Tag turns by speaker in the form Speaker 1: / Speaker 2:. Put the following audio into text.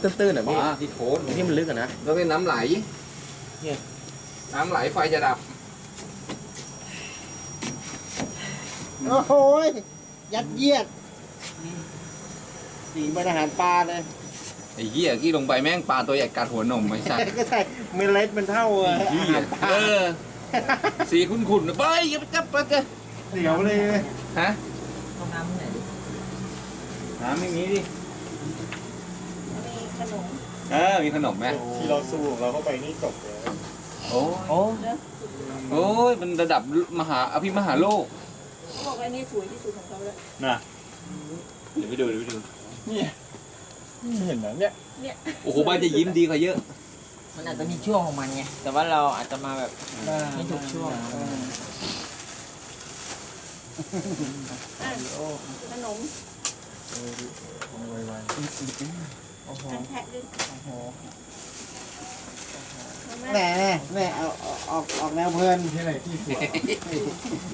Speaker 1: ตื้นๆอ่ะพี่
Speaker 2: ที่โคน
Speaker 1: ที่มันลึกอ่ะนะ
Speaker 2: แล้วเป็นน้ำไหล
Speaker 1: เนี่ย
Speaker 2: น้ำไหลไฟจะดับ
Speaker 3: โอ้โหยัดเยียดสีเป็นอาหารปลาเลย
Speaker 2: ไอ้เหี้ยกี้ลงไปแม่งปลาตัวใหญ่กัดหัวนมไอ้สัตว์
Speaker 3: ก็ใช่เมล็ดมันเท่า
Speaker 2: ไอ้เหี้ย
Speaker 3: อาหารปลา
Speaker 2: สีขุ่นๆไปอย่าไปจับปลาเจ้
Speaker 3: เสียวเลย
Speaker 2: ฮะ
Speaker 4: ห้องน้ำไหนดิ
Speaker 2: น้ำไม่มีดิ
Speaker 4: มีขนม
Speaker 2: มีขนมไหม
Speaker 3: ที่เราสู้เราเข้าไปนี่จบเลย
Speaker 2: โอ้
Speaker 4: โอ้
Speaker 2: โอ้ยมันระดับอภิมหาโลก
Speaker 4: เขาบอกว่านี่สวยที่สุดของเขาแล้ว
Speaker 3: น่ะ
Speaker 2: เดี๋ยวไปดู
Speaker 3: เนี่ยเห็นไหมเนี่ย
Speaker 4: เนี่ย
Speaker 2: โอ้โหบ้านจะยิ้มดีกว่าเยอะ
Speaker 4: มันอาจจะมีช่วงของมันไงแต่ว่าเราอาจจะมาแบบไม่ถูกช่วงขนมโอ้โห
Speaker 5: แทะด้วย
Speaker 4: โอ้โห
Speaker 3: แหน่เอาออกแนวเพลินที่ไหนที่